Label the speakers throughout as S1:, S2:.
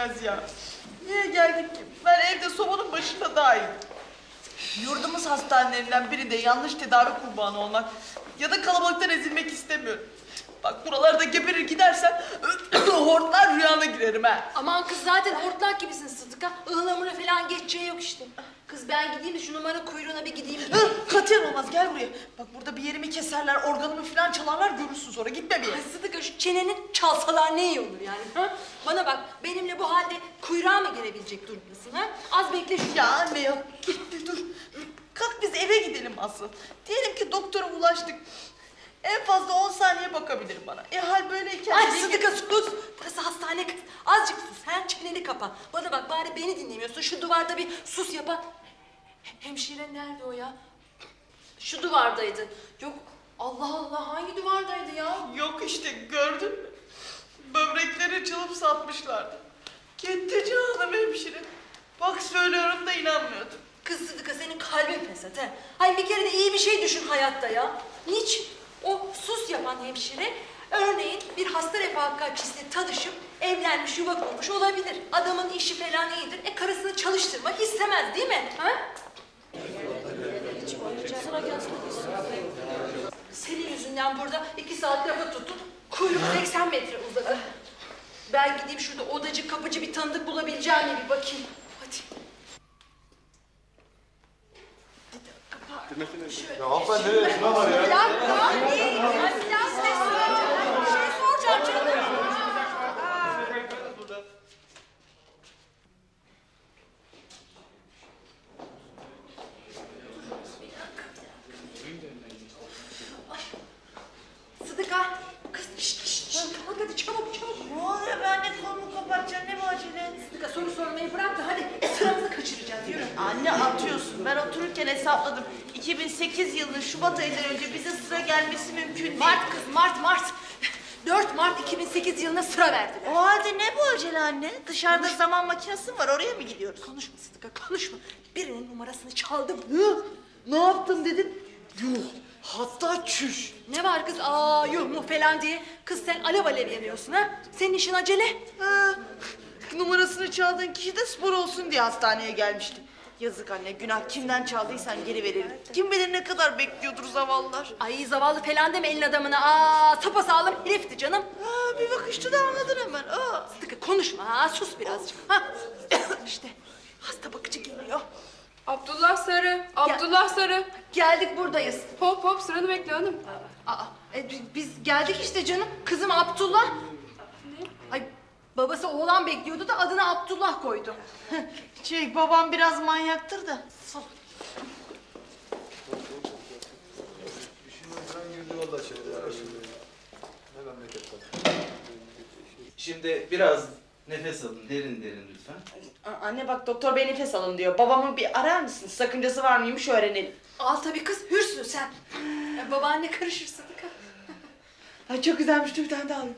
S1: gelmez ya. Niye geldik ki? Ben evde sobanın başında daha iyiyim. Yurdumuz hastanelerinden birinde yanlış tedavi kurbanı olmak ya da kalabalıktan ezilmek istemiyorum. Bak buralarda geberir gidersem hortlar rüyana girerim ha.
S2: Aman kız zaten hortlak gibisin Sıdıka. Ihlamura falan geçeceği yok işte. Kız ben gideyim de şu numara kuyruğuna bir gideyim.
S1: Katiyen olmaz, gel buraya. Bak burada bir yerimi keserler, organımı falan çalarlar, görürsün sonra. Gitme bir yere.
S2: Ay Sıdıka şu çeneni çalsalar ne iyi olur yani ha? Bana bak benimle bu halde kuyruğa mı girebilecek durumdasın ha? Az bekle şu.
S1: Ya anne ya, dur. Kalk biz eve gidelim asıl. Diyelim ki doktora ulaştık. En fazla 10 saniye bakabilir bana. Hal böyleyken...
S2: Ay Sıdıka sus! Burası hastane kız. Azıcık sus. Ha? Çeneni kapa. Bana bak bari beni dinlemiyorsun. Şu duvarda bir sus yapa. Hemşire nerede o ya? Şu duvardaydı. Yok Allah Allah hangi duvardaydı ya?
S1: Yok işte, gördün mü? Böbrekleri çalıp satmışlardı. Gitti canım hemşire. Bak söylüyorum da inanmıyordum.
S2: Kız Sıdıka senin kalbin fesat ha. Hayır bir kere de iyi bir şey düşün hayatta ya. Niçin? O sus yapan hemşire örneğin bir hasta refakatçisiyle tanışıp evlenmiş yuva kurmuş olabilir. Adamın işi falan iyidir. Karısını çalıştırmak istemez değil mi? Ha? Sana gelsin. Senin yüzünden burada 2 saat lafa tuttuk. Kuyruk 80 metre uzadı. Ben gideyim şurada odacı kapıcı bir tanıdık bulabileceğim mi bir bakayım. Hadi.
S3: Ya hanımefendi nereye? Ne var ya?
S2: Bir şey soracağım canım. Sıdıka. Kız şşt. Kalk hadi çabuk.
S1: Ne oluyor, ben de kolumu kapatacağım, ne bu acele?
S2: Sıdıka soru sormayı bırak da hadi sıramızı kaçıracağız yürü.
S1: Anne atıyorsun, ben otururken hesapladım. 2008 yılının Şubat ayından önce bize sıra gelmesi mümkün değil.
S2: Mart kız Mart. 4 Mart 2008 yılına sıra verdiler.
S1: O halde ne bu acele anne? Dışarıda zaman makinesi var, oraya mı gidiyoruz?
S2: Konuşma Sıdıka konuşma. Birinin numarasını çaldım.
S1: Ne yaptın dedim? Yuh, hatta çüş.
S2: Ne var kız yuh mu falan diye. Kız sen alev alev yanıyorsun ha. Senin işin acele.
S1: Ha, numarasını çaldığın kişi de spor olsun diye hastaneye gelmişti. Yazık anne, günah, kimden çaldıysan geri verelim. Kim bilir ne kadar bekliyordur zavallılar.
S2: Ay zavallı falan deme elin adamına. Sapasağlam herifti canım.
S1: Ha, bir bakışta da anladın hemen.
S2: Sıdıka konuşma sus birazcık. Ha. İşte hasta bakıcı geliyor.
S4: Abdullah Sarı, Abdullah Sarı.
S2: Geldik buradayız.
S4: Hop hop sıranı bekle hanım.
S2: Biz geldik işte canım. Kızım Abdullah. Ay babası oğlan bekliyordu da adını Abdullah koydu.
S1: Babam biraz manyaktır da.
S5: Şimdi biraz nefes alın, derin derin lütfen.
S1: Anne bak, doktor bey nefes alın diyor. Babamı bir arar mısın? Sakıncası var mıymış öğrenelim.
S2: Al tabii kız hürsün sen. Babaanne karışır Sıdıka.
S1: Ay çok güzelmiş, dur bir tane daha alayım.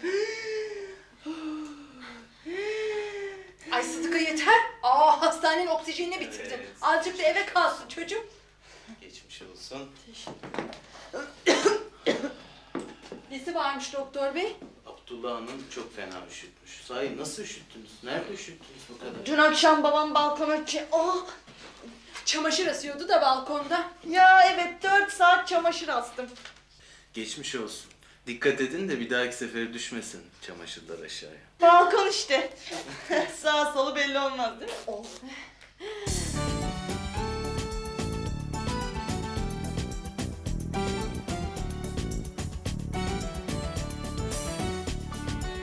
S2: Ay Sıdıka yeter. Hastanenin oksijenini bitirdin.
S5: Evet.
S2: Azıcık da eve kalsın çocuğum.
S5: Geçmiş olsun.
S2: Nesi varmış doktor bey?
S5: Abdullah Hanım çok fena üşütmüş. Sahi nasıl üşüttünüz? Nerede üşüttünüz bu kadar?
S1: Dün akşam babam balkona
S2: Çamaşır asıyordu da balkonda.
S1: Ya evet, 4 saat çamaşır astım.
S5: Geçmiş olsun. Dikkat edin de bir dahaki sefere düşmesin çamaşırlar aşağıya.
S1: Balkon işte. Sağ solu belli olmaz değil mi?